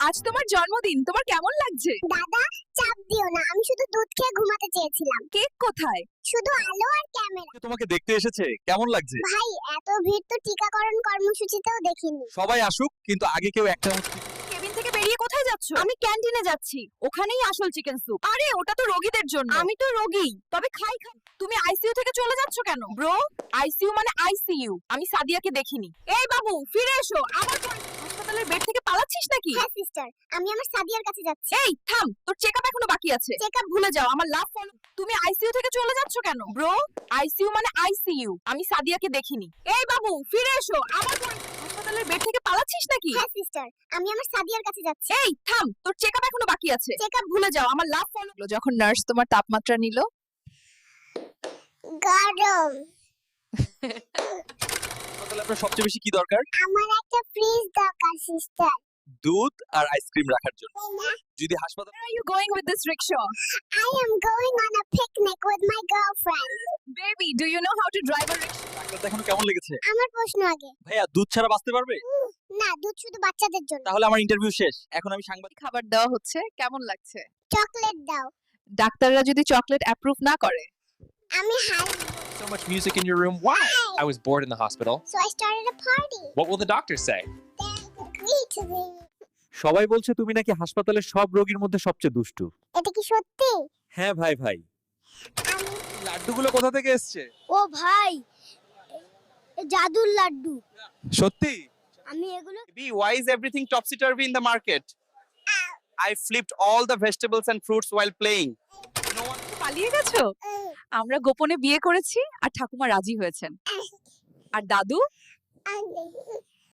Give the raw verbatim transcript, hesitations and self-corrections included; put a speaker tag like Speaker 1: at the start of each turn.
Speaker 1: আজ তোমার জন্মদিন, তোমার কেমন লাগছে?
Speaker 2: দাদা, চাপ দিও না, আমি শুধু দুধ খেয়ে ঘুমাতে চেয়েছিলাম।
Speaker 1: কেক কোথায়?
Speaker 2: শুধু আলো আর ক্যামেরা।
Speaker 3: তোমাকে দেখতে এসেছে, কেমন লাগছে?
Speaker 2: ভাই, এত ভিড় তো টিকাকরণ কর্মসূচিতেও দেখিনি।
Speaker 3: সবাই আসুক, কিন্তু আগে কেউ একটা
Speaker 1: কেবিন থেকে বেরিয়ে কোথায় যাচ্ছ? আমি ক্যান্টিনে যাচ্ছি, ওখানেই আসল চিকেন স্যুপ। আরে ওটা তো রোগীদের জন্য। আমি তো রোগী, তবে খাই খাই। তুমি আইসিইউ থেকে চলে যাচ্ছ কেন? ব্রো, আইসিইউ মানে আইসিইউ। আমি সাদিয়াকে দেখিনি। এই বাবু, ফিরে এসো। আবার হাসপাতালের বেড থেকে পালাচ্ছিস নাকি?
Speaker 2: হ্যাঁ সিস্টার, আমি আমার সাদিয়ার কাছে যাচ্ছি।
Speaker 1: এই থাম, তোর চেকআপ এখনো বাকি আছে। চেকআপ ভুলে যাও, আমার লাভ ফলো। তুমি আইসিইউ থেকে চলে যাচ্ছ কেন? ব্রো, আইসিইউ মানে আইসিইউ। আমি সাদিয়াকে দেখিনি। এই বাবু, ফিরে এসো। আবার হাসপাতালের বেড থেকে পালাচ্ছিস নাকি?
Speaker 2: হ্যাঁ সিস্টার, আমি আমার সাদিয়ার কাছে যাচ্ছি।
Speaker 1: এই থাম, তোর চেকআপ এখনো বাকি আছে। চেকআপ ভুলে যাও, আমার লাভ ফলো। যখন নার্স তোমার তাপমাত্রা নিল,
Speaker 2: গরম।
Speaker 3: হাসপাতালে আপনার সবচেয়ে বেশি কি দরকার?
Speaker 2: আমার একটা ফ্রিজ দরকার সিস্টার।
Speaker 3: দুধ আর আইসক্রিম রাখার জন্য। যদি হাসপাতাল
Speaker 1: Where are you going with this rickshaw?
Speaker 2: I am going on a picnic with my girlfriend.
Speaker 1: Baby, do you know how to drive a rickshaw?
Speaker 3: Doctor দেখানো কেমন লেগেছে?
Speaker 2: আমার প্রশ্ন আগে।
Speaker 3: ভাইয়া, দুধ ছাড়া বাঁচতে পারবে?
Speaker 2: না, দুধ শুধু বাচ্চাদের জন্য।
Speaker 3: তাহলে আমার ইন্টারভিউ শেষ, এখন আমি সাংবাদিক।
Speaker 1: খাবার দেওয়া হচ্ছে, কেমন লাগছে?
Speaker 2: চকলেট দাও।
Speaker 1: ডাক্তাররা যদি চকলেট অ্যাপ্রুভ না করে,
Speaker 2: আমি hi.
Speaker 4: So much music in your room. Why? I was bored in the hospital.
Speaker 2: So I started a party.
Speaker 4: What will the doctor say?
Speaker 2: They agreed to the.
Speaker 3: সবাই বলছে তুমি নাকি হাসপাতালের সব রোগীর মধ্যে সবচেয়ে দুষ্টু।
Speaker 2: এটা কি সত্যি?
Speaker 3: হ্যাঁ ভাই ভাই।
Speaker 2: আমি
Speaker 3: লাড্ডুগুলো কোথা থেকে এসেছে?
Speaker 2: ও ভাই, এ জাদুর লাড্ডু।
Speaker 3: সত্যি?
Speaker 2: আমি এগুলো
Speaker 5: B, why is everything topsy-turvy in the market? I flipped all the vegetables and fruits while playing. No one.
Speaker 1: পালিয়ে গেছো? আমরা গোপনে বিয়ে করেছি আর ঠাকুমা রাজি হয়েছেন। আর দাদু?
Speaker 2: আমি